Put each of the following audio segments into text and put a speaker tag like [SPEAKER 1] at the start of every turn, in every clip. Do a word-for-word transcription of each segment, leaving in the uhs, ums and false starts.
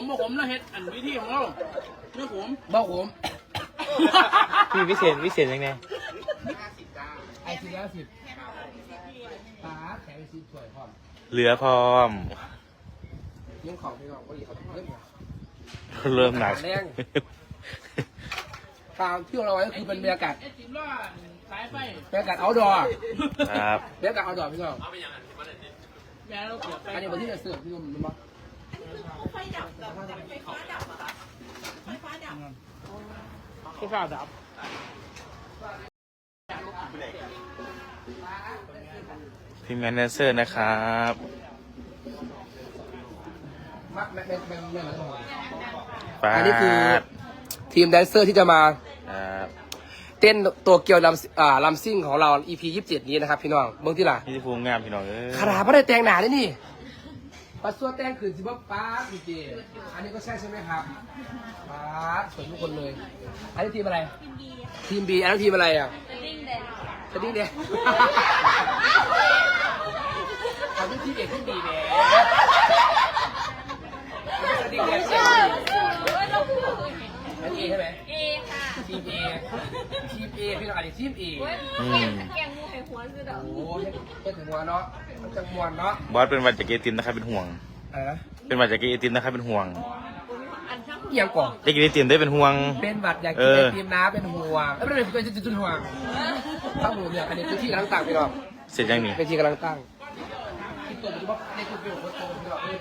[SPEAKER 1] มบ่ขมแล้วเฮ็ดอันวิธีของเราไม่ขม
[SPEAKER 2] บ้าผม
[SPEAKER 3] พี่วิเศษวิเศษยังไง
[SPEAKER 2] ไอซีแล้วสิบปลาแข็งซีสวยพร้อม
[SPEAKER 3] เหลือพร้อม
[SPEAKER 2] เลี้ยงของพี่น้องก็ดีเขาเริ่ม
[SPEAKER 3] เริ่มหนัก
[SPEAKER 2] แรงทางที่เราไว้ก็คือเป็นบรรยากาศ
[SPEAKER 1] ไอ้สิบล้อสายไฟ
[SPEAKER 2] บรรยากาศเอาดอ
[SPEAKER 3] ครับ
[SPEAKER 2] บรรยากาศเอาดอพี่น้อง
[SPEAKER 1] แม่เราเกี่ยวไป
[SPEAKER 2] อันนี้วันที่จะเสิร์ฟพี่น้องมันบ้า
[SPEAKER 4] ไฟดับเหรอไฟฟ้าดับเหรอคะไฟฟ้าดับ
[SPEAKER 1] ก็ฟ้าดับ
[SPEAKER 3] ทีมงานแดนเซอร์นะครับ
[SPEAKER 2] มักแม่แม่แม่แม่มาทั้งหมด
[SPEAKER 3] ปา
[SPEAKER 2] อันนี้คือ
[SPEAKER 3] ด
[SPEAKER 2] ทีมแดนเซอร์ที่จะมา
[SPEAKER 3] ครับ
[SPEAKER 2] เต้นตัวเกียวลำอ่าลำซิ่งของเรา อี พี ยี่สิบเจ็ดนี้นะครับพี่น้องเบื้องที่ล่ะ
[SPEAKER 3] นี่ที่ภูมิงามพี่น้องเอ้ย
[SPEAKER 2] ขนาดไม่ได้แต่งหนาด้วยนี่ปัสสัวแต่งขืนสิบ่ป้าจริงๆอันนี้ก็ใช่ใช่ไหมครับป้าสวยทุกคนเลย อันนี้ทีมอะไร ทีมบีอันนี้ทีมอะไรอ่ะ
[SPEAKER 4] ดิ้งแดง
[SPEAKER 2] สดิ้งเด็กเขาที่ทีมเอกทีมบีแหมสดิ้งเด็ก
[SPEAKER 4] ใช่เราพูด
[SPEAKER 2] อันนี้ใช่ไหม
[SPEAKER 4] เอค่ะ
[SPEAKER 2] ทีมเอทีมเอพี่น้องอันนี้ทีมเอ
[SPEAKER 3] อืม
[SPEAKER 4] แกงมูไข่หัวคือดอก
[SPEAKER 2] โอ้ยเฮ็ดถึงหัวเนาะมันจะมวนเนาะ
[SPEAKER 3] บอสเป็นหวัดจากเกตินนะครับเป็นห่วง
[SPEAKER 2] อะไรนะ
[SPEAKER 3] เป็นหวัดจากเกตินนะครับเป็นห่วง
[SPEAKER 4] อันช่าง
[SPEAKER 2] เอียงก่อน
[SPEAKER 3] ได้กินไอติมได้เป็นห่วง
[SPEAKER 2] เป็นหวัดอยาก
[SPEAKER 3] เอ
[SPEAKER 2] กินไอ
[SPEAKER 3] อ
[SPEAKER 2] ติมน้ำเป็นห่วงไม่เป็นไรเป็นจุดห่วงตั้งหมูเนี่ยอันนี้คือที่กำลังตั้งพี่น้อง
[SPEAKER 3] เสร็จยังนี่
[SPEAKER 2] เป็นที่กำลังตั้งที่ตัวเป็นว่าในคือเป็นคนโตพี่น้อง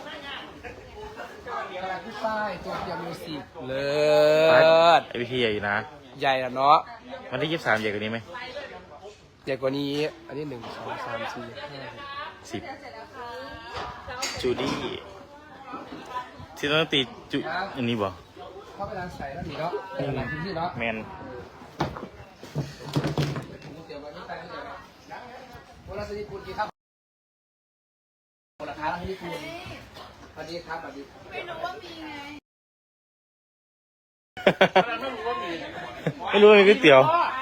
[SPEAKER 2] กำลังที่ป้ายตัวเดียวมิวสิกเลิศ
[SPEAKER 3] ไอวิธีใหญ่อยู่นะ
[SPEAKER 2] ใหญ่ละเนาะ
[SPEAKER 3] วันที่ยี่สิบสามใหญ่กว่านี้ไหม
[SPEAKER 2] ใหญ่กว่านี้ อันนี้หนึ่งสองสามสี่ห้า
[SPEAKER 3] สิบจูดี้ที่ต้องตีจูอันนี้บ่
[SPEAKER 2] เข้าไปร้านใส่แล้วดีเนาะเป็นร้านที่เนาะ
[SPEAKER 3] แมน
[SPEAKER 2] เดี๋ยววันนี้ไปเดี๋ยววันละสิบคุณกี่ครับคนละค้าละสิบคุณสวัสดีครับสวัสดี
[SPEAKER 4] ไม่รู้ว่ามีไง
[SPEAKER 1] ไม่รู้ว่ามี
[SPEAKER 3] ไม่รู้ว่ามีก๋วยเตี๋ยว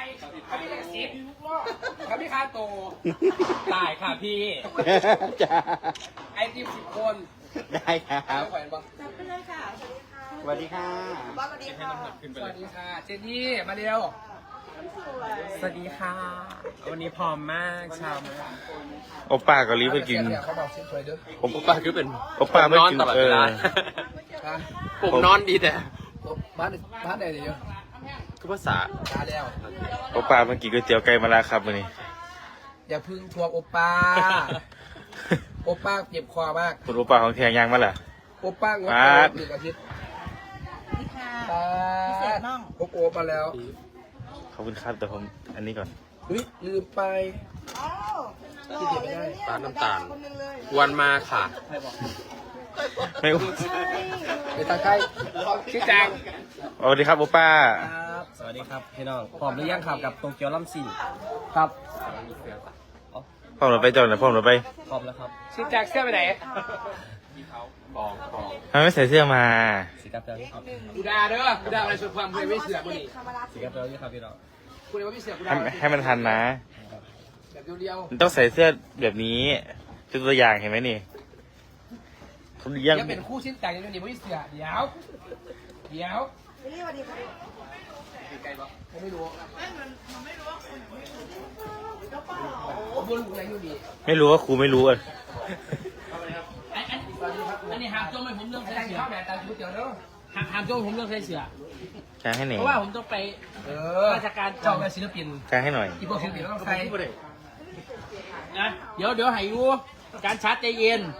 [SPEAKER 2] ครับพี่คาโตตายค่ะพี่
[SPEAKER 3] จ้า
[SPEAKER 2] ไอติมสิบคน
[SPEAKER 3] ได้ครับ
[SPEAKER 2] ไม่ไหวปะ
[SPEAKER 4] จับไปเลยค่ะ
[SPEAKER 3] สวัสดีค่ะ
[SPEAKER 4] บอสสวัสดีค่ะ
[SPEAKER 2] สวัสดีค่ะ เจนนี่ มาเร็ว
[SPEAKER 5] สวัสดีค่ะ วันนี้พร้อมมากชาวมาก
[SPEAKER 3] โอป้าเกาหลีเพื่อกิน
[SPEAKER 2] เขาบอกซิปเลยเด้อ
[SPEAKER 5] ผมป้าคือเป็น
[SPEAKER 3] โอป้าไม่กินเออ
[SPEAKER 2] ฮะ
[SPEAKER 5] ผมนอนดีแต่
[SPEAKER 2] บ้านบ้านไหนเดี๋ยว
[SPEAKER 5] คือภาษา
[SPEAKER 2] มาแล้ว
[SPEAKER 3] โอป้าเมื่อกี้ก๋วยเตี๋ยวไก่มาแล้วครับวันนี้
[SPEAKER 2] อย่าพึ่งทวงโอป้า โอป้าเจ็บคอมาก
[SPEAKER 3] คุณโอป้าของแทงยางมาล่ะ
[SPEAKER 2] โอป้างด
[SPEAKER 3] มาด
[SPEAKER 2] หนึ่งอาทิตย์
[SPEAKER 4] นี่ค่ะ
[SPEAKER 2] ป้า
[SPEAKER 4] พิเศษน้อง
[SPEAKER 2] โอโอมาแล้ว
[SPEAKER 3] ขอบคุณครับแต่ผมอันนี้ก่อน
[SPEAKER 2] อุ้ยลืมไป
[SPEAKER 4] อ้าวหล่อเลยนะเนี่ย
[SPEAKER 5] ปลาน้ำตาล
[SPEAKER 4] คนหนึงเลย
[SPEAKER 5] วันมาค่ะ
[SPEAKER 3] ไม่
[SPEAKER 2] ไปตาใกล้ชื่อจัง
[SPEAKER 3] สวัสดีครับโอป้า
[SPEAKER 5] ครับ สวัสดีครับพี่น้องพร้อมหรือยังครับกับโตเกียวลัมซิ่ง
[SPEAKER 2] ครับ
[SPEAKER 3] พ่อหนูไปจอดหน่อยพ่อหนูไป
[SPEAKER 5] พร้อมแล้วครับ
[SPEAKER 2] ชื่อจังเสื้อไปไหน
[SPEAKER 5] บองบอง
[SPEAKER 3] ทำไมไม่ใส่เสื้อมา
[SPEAKER 5] สีกับเปรี้ยวครับ
[SPEAKER 2] กูด่าเด้อกูด่าอะไรสุดความกูไม่เสือกกูนี่
[SPEAKER 5] สีกับเปรี้ยวยี่ครับพี่น้อง
[SPEAKER 2] กูเลยว่าไม่เสือกกู
[SPEAKER 3] ให้
[SPEAKER 2] ด่า
[SPEAKER 3] ให้มันทันนะ
[SPEAKER 2] แบบเดียว
[SPEAKER 3] มันต้องใส่เสื้อแบบนี้เป็นตัวอย่างเห็นไหมนี่เขา
[SPEAKER 2] ๆ
[SPEAKER 3] เลี้ยง
[SPEAKER 2] ยังเป็นคู่ชิ้นแต่งยังนี่ไม่เสือกเดี๋ยวเดี๋ยว
[SPEAKER 4] ไปเรียกสวัสดีค่ะ
[SPEAKER 2] ไกลปะผมไม่รู้
[SPEAKER 4] ไม่มันมันไม่รู้ว่าคนไม่รู้แล้วเปล่า
[SPEAKER 2] ผมบุญอะไรอยู่ดี
[SPEAKER 3] ไม่รู้ว่าครูไม่รู้อ่ะ
[SPEAKER 1] อันอันอันนี้หามโจ้ไม่ผมเรื่อง
[SPEAKER 2] แต่
[SPEAKER 1] ใส่
[SPEAKER 2] ง
[SPEAKER 1] เสือ
[SPEAKER 2] ข้าวแบบแต่งก๋วยเตี๋ยวเด้อ
[SPEAKER 1] หามหามโจ้ผมเรื่องใส่เสือ
[SPEAKER 3] กางให้หน่อย
[SPEAKER 1] เพราะว่าผมต้องไป
[SPEAKER 2] เออ
[SPEAKER 1] ราชการ
[SPEAKER 2] เจ้าเป็นศิลปิน
[SPEAKER 3] กางให้หน่อย
[SPEAKER 2] อีพวกศิลปินต้องใส่
[SPEAKER 1] นะเดี๋ยวเดี๋ยวให้ยูการชาร์จใจเย็น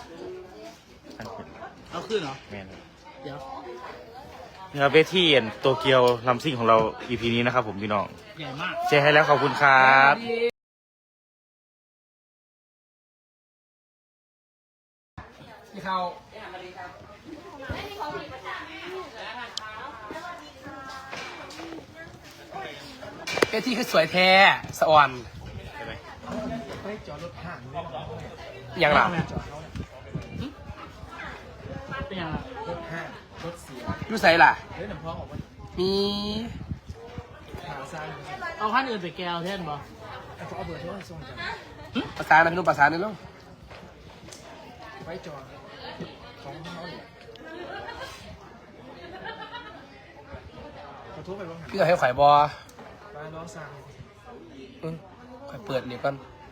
[SPEAKER 1] เอาขึ้นเหรอ
[SPEAKER 3] แม่น
[SPEAKER 1] เดี๋ยว
[SPEAKER 3] นี่ครับเวทีโตเกียวลัมซิ่งของเรา อี พี นี้นะครับผมพี่น้อง
[SPEAKER 1] ใหญ่มาก
[SPEAKER 3] แชร์ให้แล้วขอบคุณครับ
[SPEAKER 2] ที่เขาเอที่คือสวยแท้สะอ่อนเฮ้ยจอดรถห่างยังหลัง
[SPEAKER 1] เป็นยังไง
[SPEAKER 2] รถห้างรถเสียรู้ใส่ล่ะมี
[SPEAKER 1] เอาขั้นอื่นไปแก้วเท่นบ่
[SPEAKER 2] ประสานนะพี่นุ่มประสานนี่ลูกไว้จอดของเขาเนี่ย
[SPEAKER 5] ขอโทษไปบ้าง
[SPEAKER 2] พี่จะให้ข่อยบอ
[SPEAKER 5] บ้านน้องสาว
[SPEAKER 2] อืมข่อยเปิดนี่ก่อน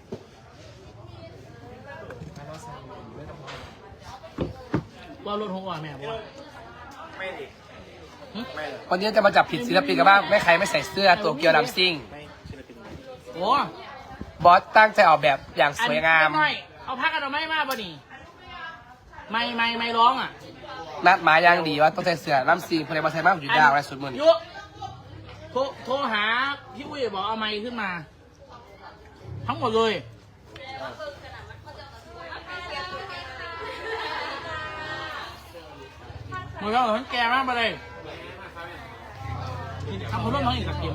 [SPEAKER 5] บ้านน้องสาวไม่ต้องมา
[SPEAKER 1] ว่ารถหงอ่ะแม่บอก
[SPEAKER 5] ไม่ดิไม่เลย
[SPEAKER 2] วันนี้จะมาจับผิดศิลปินกันบ้างไม่ใครไม่ใส่เสื้อตัวเกียวดำซิ่ง
[SPEAKER 3] ไม่ศิลปิน
[SPEAKER 1] โอ้
[SPEAKER 2] บอสตั้งใจออกแบบอย่างสวยงาม
[SPEAKER 1] หน่อยเอาพักกันเอาไม่มาป่ะนี่ไม่ไม่ไม่ร้องอ่ะ
[SPEAKER 2] นัดหมายอย่างดีว่าต้องใส่เสื้อลำซิ่งเพลงมาใส่มากอยู่ดาวอะไรสุดมือนี่
[SPEAKER 1] ยุโทรโทรหาพี่อุ้ยบอกเอาไม้ขึ้นมา ทั้งหมดเลยหมดแล้วเหรอทั้งแกมากไปเลยทำคนร่วมน้องอีกสักเกม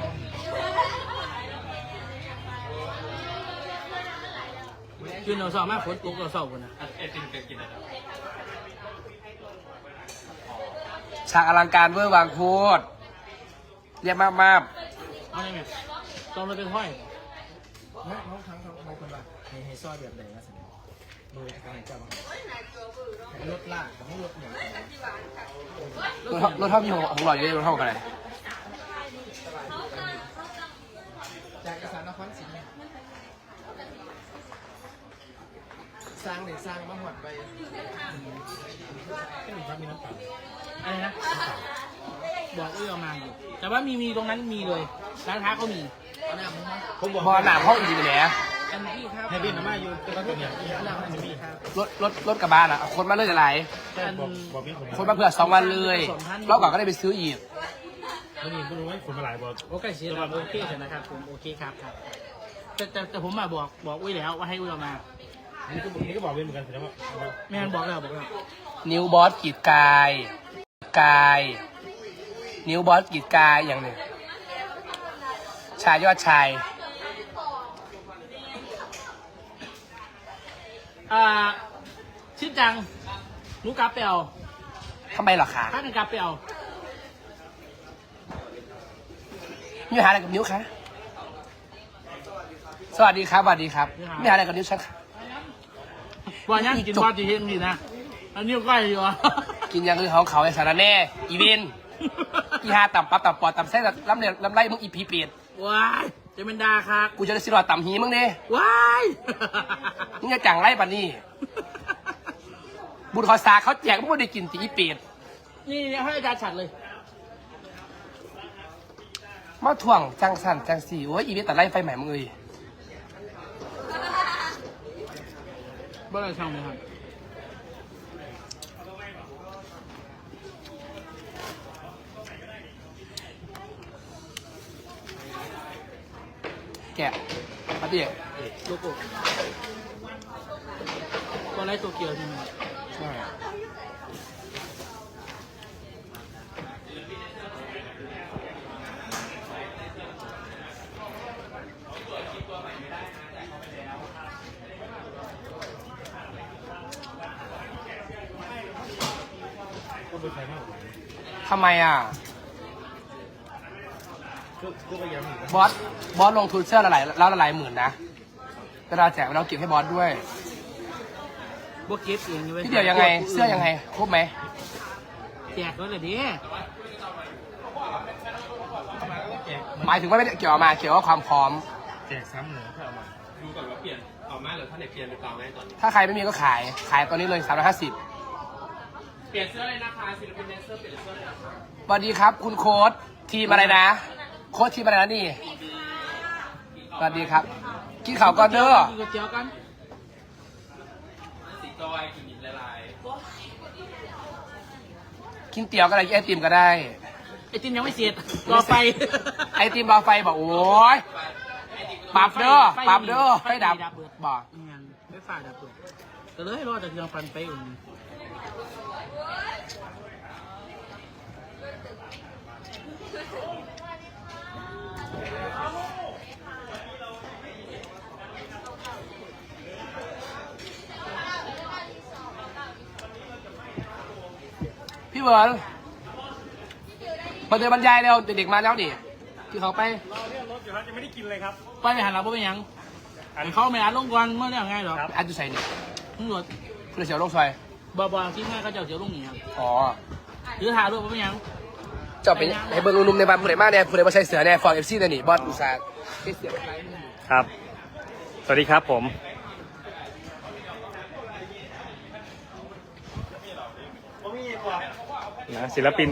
[SPEAKER 1] คือเราสอบมากฝนตกเราสอบกันนะ
[SPEAKER 2] ฉากอลังการเวอร์วางโคตรเรียบมากมาก
[SPEAKER 1] เอาไงแม่ต้องเลยเป็นห้อย
[SPEAKER 5] น้องน้องทั้งทั้งบางคนว่าให้ให้ซอยแบบไหนนะสิโดยการจับรถลากกับไม่รถเหนียว
[SPEAKER 2] รถรถเท่าพี่ของของหล่ออยู่ในรถเท่ากันเลย
[SPEAKER 5] จากกระสานนครศรีสร้างเด็กสร้างมาหอดไปแค่หนึ่งครับมีน้ำเปล่า
[SPEAKER 1] อะไรนะบอกอุ้ยเอามาอยู่แต่ว่ามีมีตรงนั้นมีเลยร้านค้าเขามี
[SPEAKER 5] เอาหน้ามึงมา
[SPEAKER 3] ผมบอก
[SPEAKER 2] บอลหนามห้องอีกไปไหน
[SPEAKER 1] อันนี้ครับ
[SPEAKER 3] ให้บินมาอยู่แต่ว่าตัวเนี้ย
[SPEAKER 5] เอาหน้ามันจะมีครับ
[SPEAKER 2] รถรถรถกระบะอ่ะคนมาเลยจะไหล
[SPEAKER 1] อัน
[SPEAKER 3] บอกพี่ผม
[SPEAKER 2] คนมาเผื่อสองวันเลยรอบก่อนก็ได้ไปซื้ออีก
[SPEAKER 3] ไม่มีไม่รู้ว่าผมมาหลายบอก
[SPEAKER 1] โอเคเสียแล้วโอเคเสร็จนะครับผมโอเคครับครับแต่แต่แต่ผมมาบอกบอกอุ้ยแล้วว่าให้อุ้ยเอามา
[SPEAKER 3] นี่ก็นี่ก็บอกเป็นเหมือนกันแสดงว่า
[SPEAKER 1] ไม่งั้นบอกแล้วบอกแล้ว
[SPEAKER 2] นิ้วบอสกีดกายกาย นิ้วบอสกีดกายอย่างหนึ่งชายยอดชาย
[SPEAKER 1] อ่าชื่อจังหนูกาเปล
[SPEAKER 2] ทำไมเหรอคะ
[SPEAKER 1] ถ้าเป็นกาเปล
[SPEAKER 2] มีปัญหาอะไรกับนิ้วคะสวัสดีครับสวัสดีครับมีปัญหาอะไรกับนิ้วฉันคะ
[SPEAKER 1] วันนี้กินบอลจีเฮมดีนะอันนี้ก็ใกล้อยู่อ่ะ
[SPEAKER 2] กินอย่างอื่นของเขาไอ้สารแน่อีเวนอีฮาต่ำปั๊บต่ำปอดต่ำเส้นลำเลียลำไรมึงอีพีเปียด
[SPEAKER 1] ว้ายจะเป็นดาครับ
[SPEAKER 2] กูจะได้สิรอดต่ำหีมึงเนี่ย
[SPEAKER 1] ว้าย
[SPEAKER 2] มึงจะจังไรปะนี่บุญขอสาเขาแจกมึงไม่ได้กินตีอีเปียด
[SPEAKER 1] นี่ให้อาจารย์ฉัดเลย
[SPEAKER 2] มาถ่วงจังสันจังสี่โอ้ยอีเวนตัดไล่ไฟใหม่มึงเลย
[SPEAKER 1] บ้านอะไรช่างเลยครับ
[SPEAKER 2] แกะมาดิ
[SPEAKER 1] โลโก้ตัวไรตัวเกียวใช่ไหม
[SPEAKER 2] ใช่ทำไมอ่ะ บอส บอสลงทุนเสื้อละหลายแล้วละหลายหมื่นนะเวลาแจกเราเก็บให้บอสด้วย
[SPEAKER 1] บวกเก็บเองอยู่ว้
[SPEAKER 2] พี่เดี๋ยวยังไง เสื้อยังไง ครบไหม
[SPEAKER 1] แจกก็เลยดิ
[SPEAKER 2] หมายถึงว่าไม่ได้เกี่ยวมาเกี่ยวกับความพร้อม
[SPEAKER 3] แจกซ้ำเหรอถ้าเอามา
[SPEAKER 5] ดูก่อนว่าเปลี่ยนต่อมาหรือถ้าไหนเปลี่ยนหรือเปล่าไหมตอนนี้
[SPEAKER 2] ถ้าใครไม่มีก็ขาย ขายตอนนี้เลยสามร้อยห้าสิบ
[SPEAKER 5] เปลี่ยนเสื้อเลยนะคะศิลปินแดนเซอร์เปลี่ยนเสื้อเลยนะคะ
[SPEAKER 2] สวัสดีครับ คุณโค้ดทีมอะไรนะ โค้ดทีมอะไรนะนี่ สวัสดีครับ กินข่าวก่อนเด้อ
[SPEAKER 1] กินก๋วยเตี๋ยวกัน
[SPEAKER 5] สีจอยกินละลาย
[SPEAKER 2] กินเตี๋ยวก็ได้กินไอติมก็ได้
[SPEAKER 1] ไอติมยังไม่เสร็จรอไป
[SPEAKER 2] ไอติมบาไฟบอกโอ้ยปรับเด้อปรับเด้อไฟดับบอก
[SPEAKER 1] งานไม่ฝ่ายดับเบิดก็เลยรอจากเครื่องฟันไปอุ่น
[SPEAKER 2] พี่เบิร์ดมาเดินบรรยายเร็วเด็กๆมาแล้วดิที่เขาไป
[SPEAKER 3] รอเรียกรถอยู่ครับยังไม่ได้กินเลยครับ
[SPEAKER 1] ไปไม่หันหลังไปยังเขาไม่อ่านลงก่อนเมื่อเรื่องไงหรอ
[SPEAKER 2] อันจุใส่นี่
[SPEAKER 1] ตำรวจ
[SPEAKER 2] คุณเสียวโลกซอย
[SPEAKER 1] บอบอที่แม่เขาจะเอาเสียวลงหนีครับ
[SPEAKER 2] อ๋อ
[SPEAKER 1] หรือถ่ายรูปไปยัง
[SPEAKER 2] เจ้าไปให้เบิ้งนุ่มๆในบ้านผู้ใดมาเนี่ยผู้ใดมาใส่เสือเนี่ยฟอร์เอฟซีเนี่ยนี่บอสอุตสาห์ที่เสือไป
[SPEAKER 3] ครับ สวัสดีครับผมนะศิลปิน